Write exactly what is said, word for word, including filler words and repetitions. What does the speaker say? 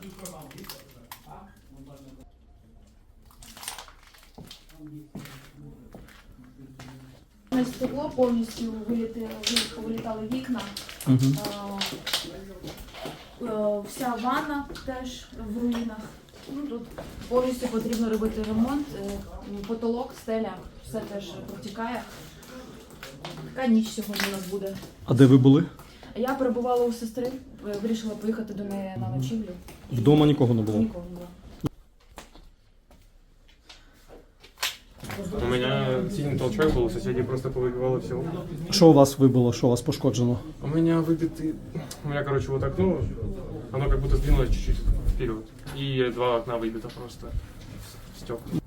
На стекло повністю вилітали, повилітали вікна. Угу. Е, е, Вся ванна теж в руїнах. Ну, тут повністю потрібно робити ремонт. Е, Потолок, стеля, все теж протікає. Така ніч сьогодні у нас буде. А де ви були? Я перебувала у сестри, е, вирішила поїхати до неї на ночівлю. Вдома нікого не було? Нікого не було. У меня сильный толчок был, соседи просто повыбивало все. Що у вас вибило, що у вас пошкоджено? У меня выбиты... У меня, короче, вот окно, оно как будто сдвинулось чуть-чуть вперед. И два окна выбито просто в стекла.